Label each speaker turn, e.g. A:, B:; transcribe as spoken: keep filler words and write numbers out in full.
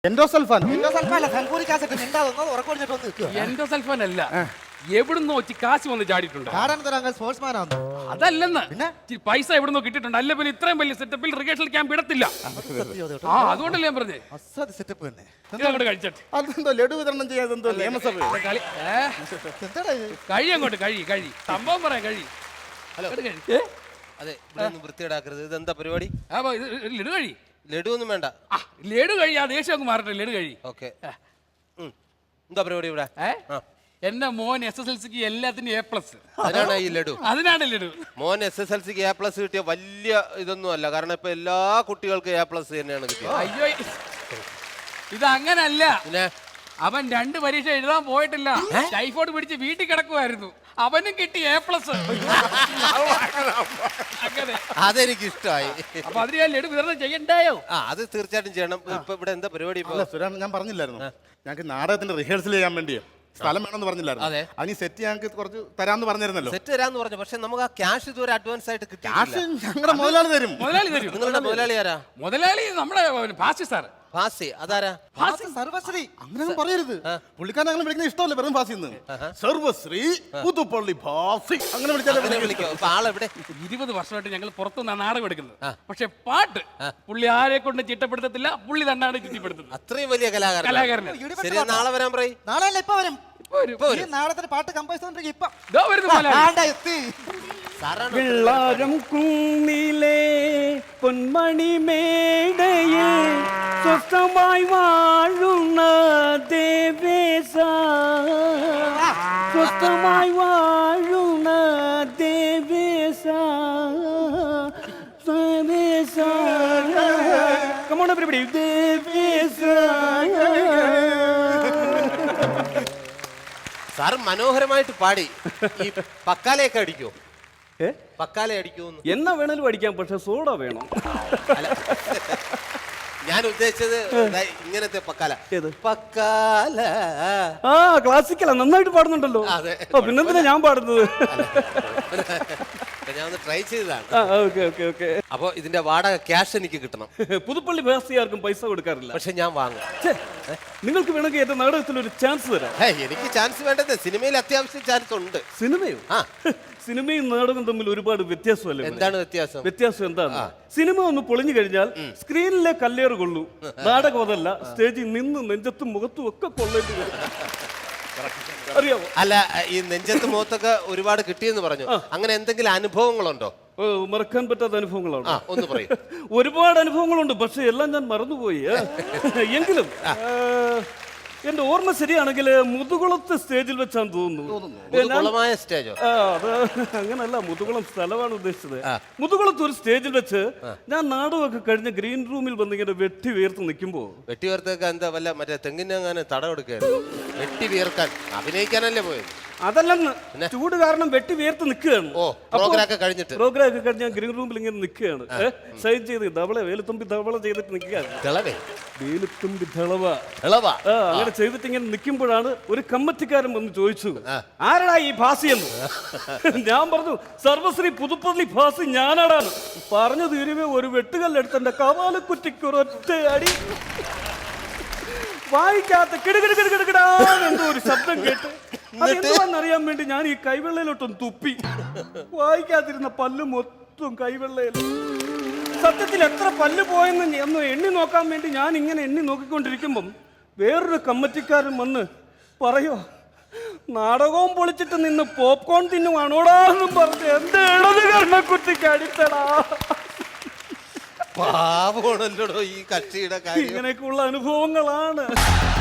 A: Endosulfan
B: endosulfan അല്ല, sulphuric acid. മിണ്ടാതൊന്ന് ഉറക്കൊടിച്ചിട്ട് വന്ന് നിൽക്കുക.
C: എൻഡോസൾഫാൻ അല്ല, എവിടുന്നോ വെച്ച് കാശ് വന്ന് ചാടിയിട്ടുണ്ട്.
B: ആടാൻ തരാൻ സ്പോർട്സ്മാൻ ആണ്.
C: അതല്ലെന്ന്,
B: പിന്നെ
C: ഇച്ചിരി പൈസ എവിടുന്നോ കിട്ടിയിട്ടുണ്ട്. അല്ല പിന്നെ ഇത്രയും വലിയ സെറ്റപ്പിൽ റിഹേഴ്സൽ ക്യാമ്പ് ഇടത്തില്ല. ആ അതുകൊണ്ടല്ലേ ഞാൻ പറഞ്ഞേ
B: അസാധ്യ സെറ്റപ്പ് തന്നെ.
C: ഇതങ്ങോട്ട് കഴിച്ചട്ടെ.
A: അതെന്തോ ലഡു വിതരണം ചെയ്യാതെന്തോ നിയമസഭ
C: കളി ഏ?
B: എന്താടാ ഇത്?
C: കഴി അങ്ങോട്ട് കഴി കഴി സംഭവം പറയാം കഴി.
D: ഹലോ
C: അങ്ങോട്ട് കഴി. ഏ?
D: അതെ, ഇവിടെ ഒന്നും വൃത്തിയിടാക്കരുത്. ഇതെന്താ പരിപാടി?
C: ആ, അപ്പൊ ഇത് ലഡു കഴി.
D: ലഡു ഒന്നും വേണ്ട.
C: ആ ലഡു കഴി. ആ ദേഷ്യം അങ്ങ് മാറട്ടെ. ലഡു കഴി.
D: ഓക്കെ. എന്താ പരിപാടി ഇവിടെ?
C: ഏ
D: ആ.
C: എന്റെ മോൻ എസ് എസ് എൽ സിക്ക് എല്ലാത്തിനും എ പ്ലസ്.
D: അതിനാണ് ഈ ലഡു.
C: അതിനാണ് ലഡു.
D: മോൻ എസ് എസ് എൽ സിക്ക് എ പ്ലസ് കിട്ടിയ വലിയ ഇതൊന്നും അല്ല. കാരണം ഇപ്പൊ എല്ലാ കുട്ടികൾക്കും എ പ്ലസ് തന്നെയാണ് കിട്ടിയത്.
C: അയ്യോ ഇത് അങ്ങനല്ല.
D: പിന്നെ
C: അവൻ രണ്ട് പരീക്ഷ എഴുതാൻ പോയിട്ടില്ല. ടൈഫോയിഡ് പിടിച്ച് വീട്ടിൽ കിടക്കുമായിരുന്നു. അവനും കിട്ടി എ പ്ലസ്. അങ്ങനെ
D: അതെനിക്ക് ഇഷ്ടമായി.
C: അപ്പൊ അതിന് ഞാൻ ലഡു വിതരണം ചെയ്യണ്ടായോ?
D: ആ അത് തീർച്ചയായിട്ടും ചെയ്യണം. ഇപ്പൊ ഇവിടെ എന്താ പരിപാടി? ഇപ്പൊ
A: അല്ല സുരാൻ, ഞാൻ പറഞ്ഞില്ലായിരുന്നു ഞങ്ങൾക്ക് നാടകത്തിന്റെ റിഹേഴ്സൽ ചെയ്യാൻ വേണ്ടിയോ സ്ഥലം വേണമെന്ന് പറഞ്ഞില്ലായിരുന്നു.
D: അതെ.
A: അതിന് സെറ്റ് ഞങ്ങൾക്ക് കുറച്ച് തരാമെന്ന് പറഞ്ഞിരുന്നല്ലോ.
D: സെറ്റ് തരാന്ന് പറഞ്ഞു. പക്ഷെ നമുക്ക് ആ ക്യാഷ് ഇതുവരെ അഡ്വാൻസ് ആയിട്ട്
A: ക്യാഷ്
D: കിട്ടിയിട്ടില്ല.
A: ഞങ്ങളുടെ മുതലാളി തരും.
C: മുതലാളി തരും.
D: നിങ്ങളുടെ മുതലാളി ആരാ?
C: മുതലാളി നമ്മുടെ ഫാസി സാർ.
D: ഫാസി അതാരാ?
B: ഫാസി സർവശ്രീ.
A: അങ്ങനെ ഒന്നും പറയരുത്. പുള്ളിക്കാരൻ അങ്ങനെ വിളിക്കുന്ന ഇഷ്ടമല്ല. വെറും ഫാസി സർവശ്രീ പുതുപ്പള്ളി ഫാസി അങ്ങനെ വിളിച്ചാലേ
D: അങ്ങനെ വിളിക്കോ? അപ്പൊ ആളെവിടെ?
C: ഇരുപത് വർഷമായിട്ട് ഞങ്ങൾ പുറത്തുനിന്ന് നാടകം എടുക്കുന്നത്. പക്ഷെ പാട്ട് പുള്ളി ആരെ കൊണ്ട് ചിട്ടപ്പെടുത്തത്തില്ല. പുള്ളി തന്നെയാണ് ചുറ്റിപ്പെടുത്തുന്നത്.
D: അത്രയും വലിയ കലാകാരൻ.
C: കലാകാരന്
D: ശരി, നാളെ വരാൻ പറയും.
B: നാളെ അല്ല, ഇപ്പൊ വരും.
C: ഇപ്പൊ വരും.
B: ഈ നാളത്തെ പാട്ട് കമ്പോസ് ചെയ്തോണ്ടിരിക്കും. ഇപ്പൊ
C: ദാ വരുന്നു മുതലാളി.
B: ആണ്ടാ എത്തി.
D: സാറാണ്
E: വെള്ളാരം കുന്നിലെ പൊന്മണി മേടയിൽ സ്വസ്ഥമായി വാഴുന്ന ദേവേശ, സ്വസ്ഥമായി വാഴുന്ന ദേവേശ, ദേവേശ. Come on everybody, ദേവേശ.
D: സാറ് മനോഹരമായിട്ട് പാടി. ഈ പക്കാലയൊക്കെ അടിക്കോ?
E: ഏ?
D: പക്കാല അടിക്കുമെന്ന്
E: എന്നാ വേണേലും അടിക്കാം, പക്ഷെ സോഡ വേണം.
D: അല്ല, ഞാൻ ഉദ്ദേശിച്ചത് ദാ ഇങ്ങനത്തെ പക്കാല.
E: ഏത്?
D: പക്കാല.
E: ആ ക്ലാസിക്കലാ, നന്നായിട്ട് പാടുന്നുണ്ടല്ലോ.
D: അതെ.
E: ഓ പിന്നെന്തിനാ ഞാൻ പാടുന്നത്?
D: ഞാൻ ഒന്ന് ട്രൈ ചെയ്തതാണ്.
E: ആ ഓക്കെ ഓക്കെ ഓക്കെ.
D: അപ്പൊ ഇതിന്റെ വാടക ക്യാഷ് എനിക്ക് കിട്ടണം.
E: പുതുപ്പള്ളി ഭാസിയാർക്കും പൈസ കൊടുക്കാറില്ല.
D: പക്ഷെ ഞാൻ വാങ്ങും.
E: ഛെ, നിങ്ങൾക്ക് വേണമെങ്കിൽ എന്റെ നാടകത്തിൽ ഒരു ചാൻസ് തരാം.
D: ഹേ, എനിക്ക് ചാൻസ് വേണ്ടത്. സിനിമയിൽ അത്യാവശ്യം ചാൻസ് ഉണ്ട്.
E: സിനിമയോ?
D: ആ.
E: സിനിമയും നാടകം തമ്മിൽ ഒരുപാട് വ്യത്യാസമല്ലേ?
D: എന്താണ് വ്യത്യാസം?
E: വ്യത്യാസം എന്താണ്? സിനിമ ഒന്ന് പൊളിഞ്ഞു കഴിഞ്ഞാൽ സ്ക്രീനിലെ കല്ലേറ് കൊള്ളൂ. നാടകം അതല്ല, സ്റ്റേജിൽ നിന്ന് നെഞ്ചത്തും മുഖത്തും ഒക്കെ കൊള്ളേണ്ടി വരും. അറിയാമോ?
D: അല്ല, ഈ നെഞ്ചത്ത് മുഖത്തൊക്കെ ഒരുപാട് കിട്ടിയെന്ന് പറഞ്ഞു. അങ്ങനെ എന്തെങ്കിലും അനുഭവങ്ങളുണ്ടോ?
E: ഓ, മറക്കാൻ പറ്റാത്ത അനുഭവങ്ങളാണ്.
D: ആ ഒന്ന് പറയും.
E: ഒരുപാട് അനുഭവങ്ങളുണ്ട്, പക്ഷെ എല്ലാം ഞാൻ മറന്നുപോയി. എങ്കിലും എന്റെ ഓർമ്മ ശരിയാണെങ്കിൽ മുതുകുളത്ത് സ്റ്റേജിൽ വെച്ചാന്ന് തോന്നുന്നു.
D: കുളമായ സ്റ്റേജോ?
E: ആ, അത് അങ്ങനല്ല, മുതുകുളം സ്ഥലമാണ് ഉദ്ദേശിച്ചത്. മുതുകുളത്ത് ഒരു സ്റ്റേജിൽ വെച്ച് ഞാൻ നാടകമൊക്കെ കഴിഞ്ഞ ഗ്രീൻ റൂമിൽ വന്ന് ഇങ്ങനെ വെട്ടി വീർത്ത് നിൽക്കുമ്പോ.
D: വെട്ടി വീർത്തൊക്കെ എന്താ വല്ല മറ്റേ തെങ്ങിനെങ്ങാനും തടം എടുക്കുകയായിരുന്നു? വെട്ടി വീർക്കാൻ അഭിനയിക്കാനല്ലേ പോയത്?
E: അതല്ലെന്ന്, ചൂട് കാരണം വെട്ടി വീർത്ത് നിൽക്കുകയാണ്.
D: ഓ, പ്രോഗ്രാം ഒക്കെ കഴിഞ്ഞിട്ട്?
E: പ്രോഗ്രാം ഒക്കെ കഴിഞ്ഞ് ഞാൻ ഗ്രീൻ റൂമിൽ ഇങ്ങനെ നിൽക്കുകയാണ്. സൈൻ ചെയ്ത് ധവള വേലുത്തുമ്പി ധവള ചെയ്തിട്ട് നിൽക്കുകയാണ്.
D: തിളവേ
E: വേലുത്തുമ്പി ധളവ.
D: തിളവാ.
E: ആ, അങ്ങനെ ചെയ്തിട്ട് ഇങ്ങനെ നിൽക്കുമ്പോഴാണ് ഒരു കമ്മറ്റിക്കാരൻ വന്ന് ചോദിച്ചു, ആരടാ ഈ ഭാസി എന്ന്. ഞാൻ പറഞ്ഞു, സർവശ്രീ പുതുപ്പള്ളി ഭാസി ഞാനാടാണ്. പറഞ്ഞു തീരുവേ ഒരു വെട്ടുകല്ലെടുത്ത് എന്റെ കവാലക്കുറ്റിക്കൊരൊറ്റ അടി. വായിക്കാത്ത കിടുകിടുകിടുകിടാ എന്തോ ഒരു ശബ്ദം കേട്ട് അതെന്തുവാന്നറിയാൻ വേണ്ടി ഞാൻ ഈ കൈവെള്ളയിലോട്ടൊന്ന് തുപ്പി. വായിക്കാതിരുന്ന പല്ല് മൊത്തം കൈവെള്ളയിൽ. സത്യത്തിൽ എത്ര പല്ല് പോയെന്ന് ഒന്ന് എണ്ണി നോക്കാൻ വേണ്ടി ഞാൻ ഇങ്ങനെ എണ്ണി നോക്കിക്കൊണ്ടിരിക്കുമ്പം വേറൊരു കമ്മറ്റിക്കാരൻ വന്ന് പറയോ, നാടകവും പൊളിച്ചിട്ട് നിന്ന് പോപ്കോൺ തിന്നുവാണോടാന്നും പറഞ്ഞ് എന്റെ ഇടത് കർണക്കുറ്റിക്ക് അടിത്തടാ.
D: പാവമാണല്ലോ ഈ കക്ഷിയുടെ കാര്യം.
E: ഇങ്ങനെയൊക്കെയുള്ള അനുഭവങ്ങളാണ്.